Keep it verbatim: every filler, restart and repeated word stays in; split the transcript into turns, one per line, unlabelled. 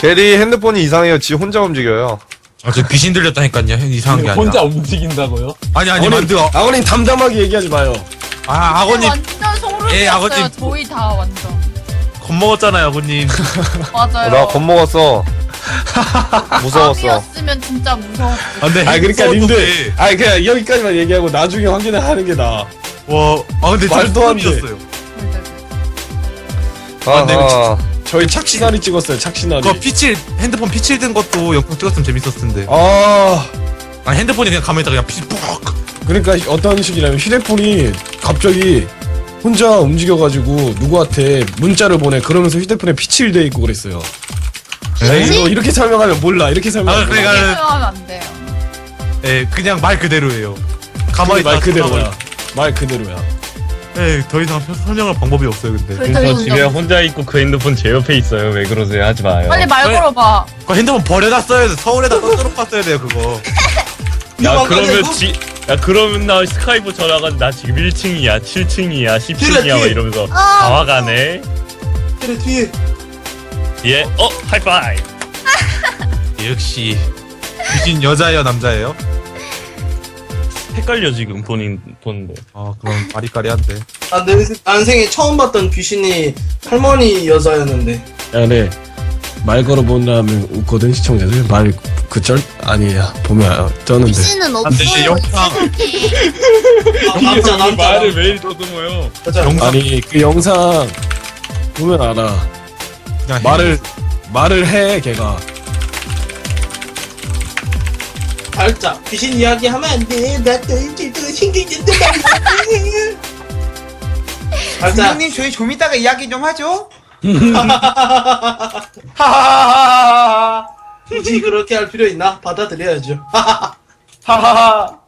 게리 핸드폰이 이상해요. 지 혼자 움직여요.
아, 저 귀신 들렸다니까요. 이상한 게 아니라.
혼자 움직인다고요?
아니, 아니,
아버님,
만두.
아버님 담담하게 얘기하지 마요.
아, 아버님.
완전 소름이었어요.
예, 아버님.
저희 다 완전.
겁먹었잖아요, 아버님.
맞아요.
나 겁먹었어. 무서웠어.
밤이었으면 진짜 무서웠어.
아, 근데
아 그러니까
무서워도
님들,
돼.
아 그냥 여기까지만 얘기하고 나중에 확인을 하는 게 나아.
와, 아, 근데
말도 안 돼.
었어요
아,
근데
아,
저희 착시나리 찍었어요. 착시나리.
그거 피칠, 핸드폰 피칠 든 것도 영상 찍었으면 재밌었을 텐데.
아
아, 핸드폰이 그냥 가만히 있다가 그냥 피, 푹.
그러니까 어떤 식이냐면 휴대폰이 갑자기 혼자 움직여가지고 누구한테 문자를 보내. 그러면서 휴대폰에 피칠돼 있고 그랬어요.
에이?
이거 이렇게 설명하면 몰라. 이렇게
아,
설명하면
그러니까-
몰라.
이렇게 하면 안 돼요.
예, 그냥 말 그대로예요. 가만히
말
있다가
그대로야. 말 그대로야.
예, 더 이상 설- 설명할 방법이 없어요, 근데.
그래.
저
저희
집에
운전-
혼자 있고 그 핸드폰 제 옆에 있어요. 왜 그러세요? 하지 마요.
빨리 말
빨리-
걸어봐.
그 핸드폰 버려놨어야 돼. 서울에다 떠들어 갔어야 돼요, 그거.
야 그러면 지, 야 그러면 나 스카이프 전화가 나 지금 일 층이야, 칠 층이야, 십 층이야 막 이러면서
아,
다 와가네.
그래 뒤에
예, 어 하이파이.
역시. 귀신 여자예요, 남자예요?
헷갈려 지금 본인 보는데.
아, 그럼 바리까리한데.
나내 난생에 처음 봤던 귀신이 할머니 여자였는데
야, 네. 말 걸어본 다음에 웃거든 시청자들. 말 그절 아니야. 보면 떠는데.
귀신은
안 돼,
없어요.
영상.
남자 남자
말을 왜 더듬어요?
여자
영상.
아니 그 영상 보면 알아.
그냥
말을 말을 해 걔가.
발자 귀신 이야기 하면 안돼 나또 일주일 동안 신경 쓴단 말이야 발자
형님 저희 좀 이따가 이야기 좀 하죠.
하하하하하 굳이 그렇게 할 필요 있나 받아들여야죠 하하하